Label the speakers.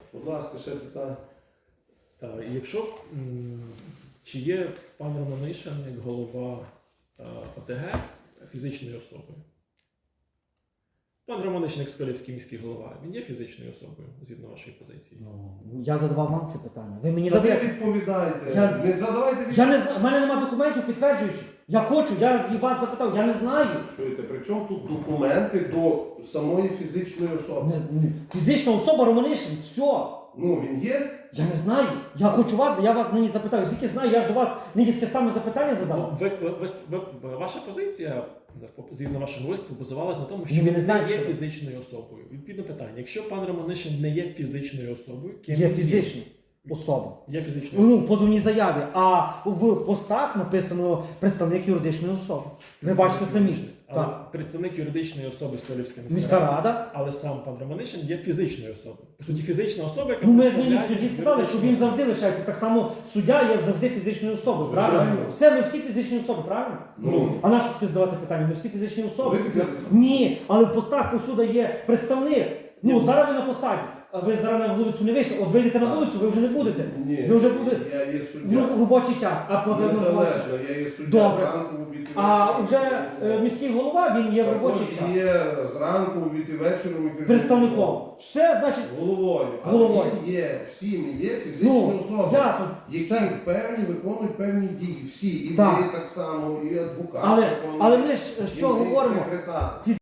Speaker 1: Будь ласка, ще питання.
Speaker 2: Так, і якщо чи є пан Романишин як голова ОТГ фізичною особою? Пан Романишин, як Сколівський міський голова, він є фізичною особою, згідно вашої позиції?
Speaker 3: Ну, я задавав вам це питання. Ви мені
Speaker 1: Та ви
Speaker 3: задаєте.
Speaker 1: відповідаєте. Не задавайте
Speaker 3: Я не знаю, в мене немає документів підтверджуючих. Я хочу, я і вас запитав, я не знаю.
Speaker 1: Чуєте, при чому тут документи до самої фізичної особи?
Speaker 3: Фізична особа Романишин, все.
Speaker 1: Ну, він є?
Speaker 3: Я не знаю. Я хочу вас, я вас нині запитаю. Звідки знаю, я ж до вас нині таке саме запитання задав.
Speaker 2: Ваша позиція, згідно вашого виступу, базувалась на тому, що
Speaker 3: Ні,
Speaker 2: він
Speaker 3: не знаю,
Speaker 2: не є
Speaker 3: що ви.
Speaker 2: фізичною особою. Відповідно питання, якщо пан Романишин не є фізичною особою, ким
Speaker 3: Є
Speaker 2: він
Speaker 3: фізична особа.
Speaker 2: Є фізичною особою.
Speaker 3: Ну, в позовній заяві, а в постах написано представник юридичної особи. Ви бачите самі.
Speaker 2: Але
Speaker 3: Так.
Speaker 2: представник юридичної особи Сколівська
Speaker 3: Міська рада.
Speaker 2: але сам пан Романишин є фізичною особою. По суті, фізична особа, яка
Speaker 3: Ну, ми
Speaker 2: представляє
Speaker 3: в суді сказали, що він
Speaker 2: юридичну
Speaker 3: завжди лишається. Так само суддя є завжди фізичною особою, правильно?
Speaker 1: Звичайно.
Speaker 3: Все, ми всі фізичні особи, правильно?
Speaker 1: Ну.
Speaker 3: А на що таки задавати питання? Ми всі фізичні особи.
Speaker 1: Ви таке задавали?
Speaker 3: Ні, але в постах посуда є представник. Ну, зараз ви на посаді. А ви зараз на вулицю не вийшли. От вийдете на вулицю, ви вже не будете.
Speaker 1: Ні,
Speaker 3: Ви вже будете
Speaker 1: я є
Speaker 3: в
Speaker 1: суддя.
Speaker 3: робочий час. А поза
Speaker 1: Незалежно, я є суддя
Speaker 3: Добре.
Speaker 1: зранку, в обід і
Speaker 3: А
Speaker 1: вечором.
Speaker 3: вже міський голова, він є в робочий
Speaker 1: Також
Speaker 3: час.
Speaker 1: є зранку, в обід і вечором. і керівником.
Speaker 3: Представником. Все, значить,
Speaker 1: Головою.
Speaker 3: Головою.
Speaker 1: Але він є, всі ми є фізичні
Speaker 3: ну,
Speaker 1: особи,
Speaker 3: ясно.
Speaker 1: які
Speaker 3: Все.
Speaker 1: певні виконують певні дії. Всі. І
Speaker 3: Так.
Speaker 1: ви так само, і адвокат.
Speaker 3: Але
Speaker 1: виконує,
Speaker 3: ми ж
Speaker 1: і
Speaker 3: що
Speaker 1: ви
Speaker 3: говоримо?
Speaker 1: секретар.